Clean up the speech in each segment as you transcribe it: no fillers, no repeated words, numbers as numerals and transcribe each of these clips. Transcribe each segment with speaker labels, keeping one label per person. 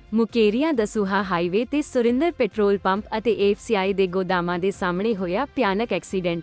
Speaker 1: Mukerian Dasuya highway ਤੇ Surinder petrol pump ਅਤੇ FCI ਦੇ ਗੋਦਾਮਾਂ ਦੇ ਸਾਹਮਣੇ ਹੋਇਆ ਭਿਆਨਕ ਐਕਸੀਡੈਂਟ।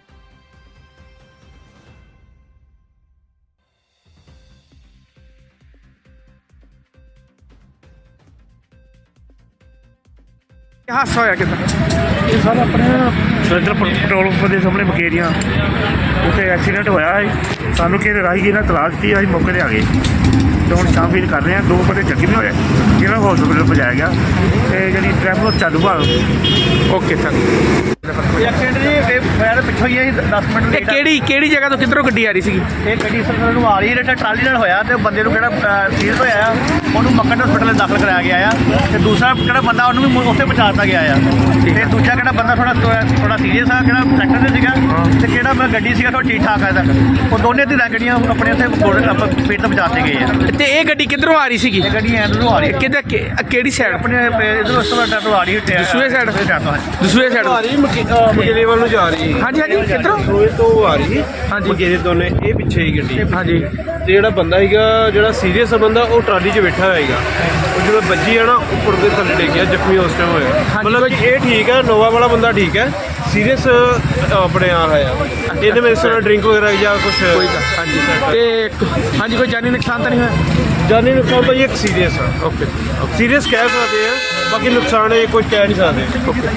Speaker 2: ਹਾਦਸਾ ਹੋਇਆ ਕਿੱਦਾਂ?
Speaker 3: ਇਹ ਸਰ ਆਪਣੇ ਸੁਰਿੰਦਰ ਪੈਟਰੋਲ ਪੰਪ ਦੇ ਸਾਹਮਣੇ ਮੁਕੇਰੀਆਂ ਉੱਥੇ ਐਕਸੀਡੈਂਟ ਹੋਇਆ ਹੈ। ਸਾਨੂੰ ਕਿਸੇ ਰਾਹੀ ਨੇ ਤਲਾਸ਼ ਦਿੱਤੀ, ਅਸੀਂ ਮੌਕੇ 'ਤੇ ਆ ਗਏ ਤੇ ਹੁਣ ਛਾਣਬੀਣ ਕਰ ਰਹੇ ਹਾਂ। 2 ਬੰਦੇ ਜ਼ਖਮੀ ਹੋਏ ਜਿਹਨਾਂ ਨੂੰ ਹਸਪੀਟਲ ਪਹੁੰਚਾਇਆ ਗਿਆ ਤੇ ਜਿਹੜੀ ਟ੍ਰੈਫਿਕ ਚਾਲੂ ਭਾਲ।
Speaker 2: Okay sir.
Speaker 4: ਐਕਸੀਡੈਂਟ ਜੀ ਇਹ ਹੋਇਆ ਤਾਂ ਪਿੱਛੋਂ ਹੀ ਹੈ 10 ਮਿੰਟ
Speaker 2: ਇਹ
Speaker 4: ਲੇਟ।
Speaker 2: ਕਿਹੜੀ ਜਗ੍ਹਾ ਤੋਂ ਕਿੱਧਰੋਂ ਗੱਡੀ ਆ ਰਹੀ ਸੀਗੀ?
Speaker 4: ਇਹ ਗੱਡੀ ਸਰ ਨੂੰ ਆ ਰਹੀ ਹੈ, ਟਰਾਲੀ ਨਾਲ ਹੋਇਆ ਤੇ ਬੰਦੇ ਨੂੰ ਜਿਹੜਾ ਸੀਰੀਅਸ ਹੋਇਆ ਆ ਉਹਨੂੰ ਮੱਕੜ ਹਸਪੀਟਲ ਦਾਖਲ ਕਰਾਇਆ ਗਿਆ ਆ ਤੇ ਦੂਸਰਾ ਜਿਹੜਾ ਬੰਦਾ ਉਹਨੂੰ ਵੀ ਉੱਥੇ ਪਹੁੰਚਾ ਦਿੱਤਾ ਗਿਆ ਆ। ਤੇ ਦੂਜਾ ਕਿਹੜਾ ਬੰਦਾ ਥੋੜਾ ਸੀਰੀਅਸ ਆ, ਕਿਹੜਾ ਟਰੈਕਟਰ ਤੇ ਸੀਗਾ ਤੇ ਕਿਹੜਾ ਗੱਡੀ ਸੀਗਾ ਥੋੜਾ ਠੀਕ ਠਾਕ ਆ। ਉਹ ਦੋਨੇ ਧਿਰਾਂ ਗੱਡੀਆਂ ਆਪਣੇ ਉੱਥੇ ਪੇਟ ਤੇ ਪਹੁੰਚਾ ਦਿੱਤੇ ਗਏ ਆ।
Speaker 2: ਤੇ ਇਹ ਗੱਡੀ ਕਿੱਧਰੋਂ ਆ ਰਹੀ ਸੀਗੀ?
Speaker 4: ਇਹ ਗੱਡੀ ਐਂਡ ਨੂੰ ਆ ਰਹੀ ਹੈ
Speaker 2: ਕਿਹਦਾ ਕਿਹੜੀ ਸਾਈਡ?
Speaker 4: ਆਪਣੇ ਇਧਰੋਂ ਉਸ ਤੋਂ ਬਾਅਦ ਤੋਂ ਆ ਰਹੀ ਹੈ
Speaker 2: ਦਸੂਹੇ side? ਦਸੂਹੇ ਸਾਈਡ
Speaker 5: ਆ ਰਹੀ ਮਕੇਲੇ ਵੱਲ ਨੂੰ ਜਾ ਰਹੀ।
Speaker 2: ਹਾਂਜੀ ਹਾਂਜੀ ਕਿੱਧਰੋਂ?
Speaker 5: ਦੋਏ ਤੋਂ ਆ ਰਹੀ
Speaker 2: ਹਾਂਜੀ।
Speaker 5: ਮਕੇਲੇ ਦੋਨੇ, ਇਹ ਪਿੱਛੇ ਹੀ ਗੱਡੀ।
Speaker 2: ਹਾਂਜੀ
Speaker 5: ਤੇ ਜਿਹੜਾ ਬੰਦਾ ਹੈਗਾ, ਜਿਹੜਾ ਸੀਰੀਅਸ ਬੰਦਾ, ਉਹ ਟਰਾਲੀ 'ਚ ਬੈਠਾ ਹੋਏਗਾ। ਉਹ ਜਦੋਂ ਵੱਜੀ ਆ ਨਾ, ਉੱਪਰ ਦੇ ਥੱਲੇ ਡਿੱਗ ਗਿਆ, ਜ਼ਖਮੀ ਉਸ ਟਾਈਮ ਹੋਇਆ। ਮਤਲਬ ਇਹ ਠੀਕ ਹੈ, ਨੋਵਾ ਵਾਲਾ ਬੰਦਾ ਠੀਕ ਹੈ, ਸੀਰੀਅਸ ਆਪਣੇ ਆ ਹੋਇਆ। ਇਹਦੇ ਵਿੱਚ ਸੋਨਾ ਡਰਿੰਕ ਵਗੈਰਾ ਜਾਂ ਕੁਝ
Speaker 2: ਕੋਈ ਗੱਲ ਹਾਂਜੀ ਤੇ ਹਾਂਜੀ ਕੋਈ ਜਾਨੀ ਨੁਕਸਾਨ ਤਾਂ ਨਹੀਂ ਹੋਇਆ?
Speaker 5: ਜਾਨੀ ਨੁਕਸਾਨ ਤਾਂ ਇਹ ਇੱਕ ਸੀਰੀਅਸ ਆ।
Speaker 2: ਓਕੇ
Speaker 5: ਸੀਰੀਅਸ ਕਹਿ ਸਕਦੇ ਆ, ਬਾਕੀ ਨੁਕਸਾਨ ਇਹ ਕੁਝ ਕਹਿ ਨਹੀਂ ਸਕਦੇ।
Speaker 2: ਓਕੇ।